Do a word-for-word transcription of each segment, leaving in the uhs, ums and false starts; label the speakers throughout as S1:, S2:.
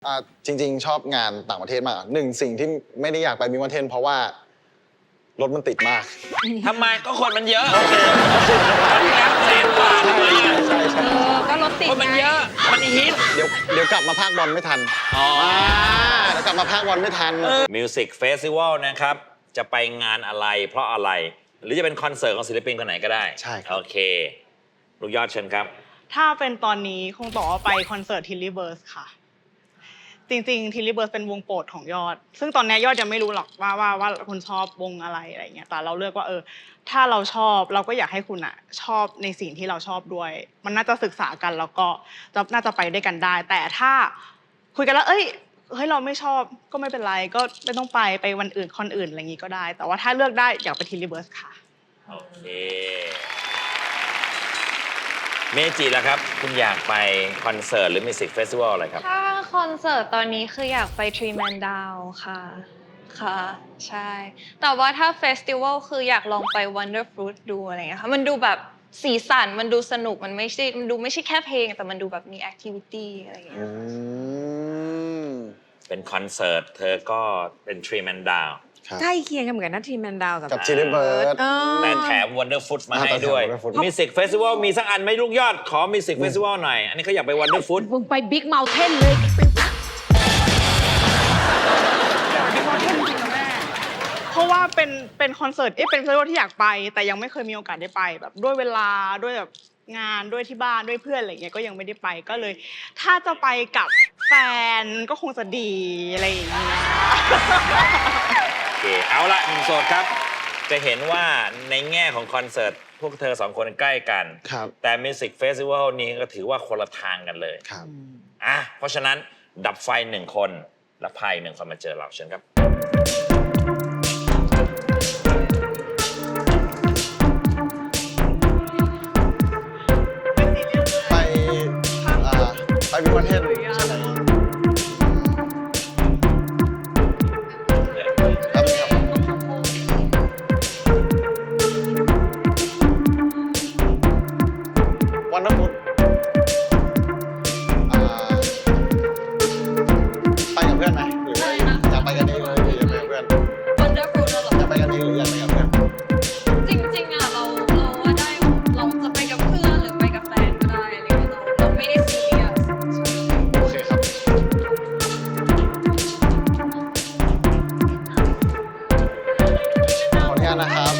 S1: อ่าจริงๆชอบงานต่างประเทศมากหนึ่งสิ่งที่ไม่ได้อยากไปมิวเทนเพราะว่ารถมันติดมาก
S2: ทำไมก็คนมันเยอะแล้วแสนกว่าทำไมอ่ะ
S1: ใช่ใช่
S3: เออก็รถติด
S2: คนมันเยอะมันฮิต
S1: เดี๋ยวเดี๋ยวกลับมาภาคบอลไม่ทันอ๋อเดี๋ยวกลับมาภาคบอลไม่ทัน
S2: มิวสิกเฟสติวัลนะครับจะไปงานอะไรเพราะอะไรหรือจะเป็นคอนเสิร์ตของศิลปินคนไหนก็ได้
S1: ใช่
S2: โอเคลูกยอดเชิญครับ
S4: ถ้าเป็นตอนนี้คงบอกว่าไปคอนเสิร์ตทิลลี่เบิร์สค่ะจริงๆทิลลี่เบิร์สเป็นวงโปรดของยอดซึ่งตอนนี้ยอดยังไม่รู้หรอกว่าว่าว่าคุณชอบวงอะไรอะไรเงี้ยแต่เราเลือกว่าเออถ้าเราชอบเราก็อยากให้คุณอ่ะชอบในสิ่งที่เราชอบด้วยมันน่าจะศึกษากันแล้วก็จะน่าจะไปด้วยกันได้ แต่ถ้าคุยกันแล้วเอ้ยเฮ้ยเราไม่ชอบก็ไม่เป็นไรก็ไม่ต้องไปไปวันอื่นคอนอื่นอะไรอย่างงี้ก็ได้แต่ว่าถ้าเลือกได้อยากไปทิลลี่เบิร์สค่ะ
S2: โอเคเมจิแล้วครับคุณอยากไปคอนเสิร์ตหรือมิวสิกเฟสติวัลอะไรครับ
S3: ถ้าคอนเสิร์ตตอนนี้คืออยากไป Three Man Down ค่ะค่ะใช่แต่ว่าถ้าเฟสติวัลคืออยากลองไป Wonder Fruit ดูอะไรเงี้ยค่ะมันดูแบบสีสันมันดูสนุกมันไม่ใช่มันดูไม่ใช่แค่เพลงแต่มันดูแบบมีแอคทิวิตี้อะไรเงี้ย
S2: เป็นคอนเสิร์ตเธอก็เป็น Three Man Down
S5: ใกล้เคียงกันเหมือนกันนะทีมแมนดาว
S1: กับทิลลี่เบิร์ด
S2: แต่แถม Wonder Food มาให้ด้วยมิวสิกเฟสติวัลมีสักอันไหมลูกยอดขอมิวสิกเฟสติวัลหน่อยอันนี้เขาอยากไป Wonder Food
S5: มึงไปบิ๊กเมลเทนเลย
S4: เพราะว่าเป็นเป็นคอนเสิร์ตเอ๊ะเป็นเฟสติวัลที่อยากไปแต่ยังไม่เคยมีโอกาสได้ไปแบบด้วยเวลาด้วยแบบงานด้วยที่บ้านด้วยเพื่อนอะไรเงี้ยก็ยังไม่ได้ไปก็เลยถ้าจะไปกับแฟนก็คงจะดีอะไรอย่างเงี้ย
S2: โอเคเอาละหนุ่มโสดครับจะเห็นว่าในแง่ของคอนเสิร์ตพวกเธอสองคนใกล้กันแต่มิวสิกเฟสติวัลนี้ก็ถือว่าคนละทางกันเลย
S1: ครับ
S2: อ่ะเพราะฉะนั้นดับไฟหนึ่งคนและพายหนึ่งคนมาเจอเราเชิญครับ
S1: ไปอ่าไปมิวเทนใช่ไหมวันนั้นผมไปกับเพื่อนไหมหรือว่าอยากไปกันเองเลยหรืออยากไปกับเพื่อน
S3: Wonder Fruit เหรอ
S1: อยากไปกันเองหรืออยากไปกับเพื่อน
S3: จริงๆอ่ะเราเราว่าได้เราจะไปกับเพื่อนหรือไปกับแฟนก็ได้อะไรเงี้ยเราเราไม่ได้ซีเรียส
S1: โอเคครับขออนุญาตนะครับ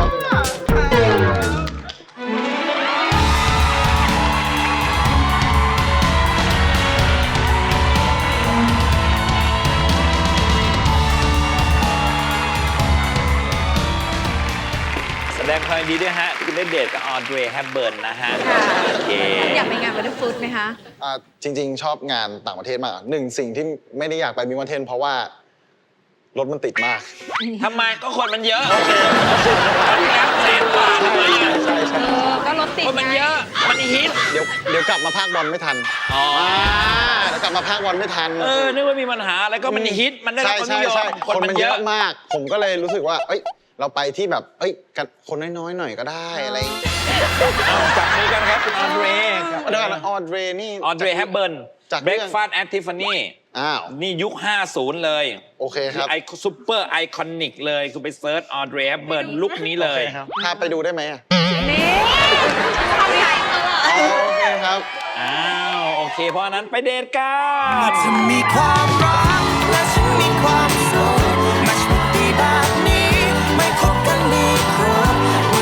S2: แสดงความยินดีด้วยฮะคุณได้เดทกับออเดรย์ แฮปเบิร์นนะฮะโอเค
S5: อยากไปงานวันเดอร์ฟู้ดไหมคะ
S1: อ่าจริงๆชอบงานต่างประเทศมากหนึ่งสิ่งที่ไม่ได้อยากไปมิวเทนเพราะว่ารถมันติดมาก
S2: ทำไมก็คนมันเยอะแล้วแสนกว่าทำไมอ่ะ
S1: ใช่ใช่
S3: เออก็รถติด
S2: คนมันเยอะมันฮิต
S1: เดี๋ยวเดี๋ยวกลับมาภาคบอลไม่ทันอ๋อเดี๋ยวกลับมาภาคบอลไม่ทัน
S2: เออนึกว่ามีปัญหาอะไรก็มันฮิตมันได้รับความนิยม
S1: คนมันเยอะมากผมก็เลยรู้สึกว่าเอ้ยเราไปที่แบบเอ้ยกันคนน้อยๆหน่อยก็ได้อะไร
S2: จับมือกันครับคุณออเดรย์
S1: เดี๋ยวออเดรย์นี่
S2: ออเดรย์ แฮปเบิร์น
S1: จาก
S2: Breakfast at Tiffany
S1: อ้าว
S2: นี่ยุคห้าสิบเลย
S1: โอเคครับ
S2: ไอซูเปอร์ไอคอนิกเลยคุณไปเซิร์ชออเดรย์ แฮปเบิร์นลุคนี้เลย
S1: พาไปดูได้ไหมอ่ะ
S3: นี่ทำใหญ่ตลอด
S1: โอเคครับ
S2: อ้าวโอเคเพราะนั้นไปเดทกัน
S6: จะมีความ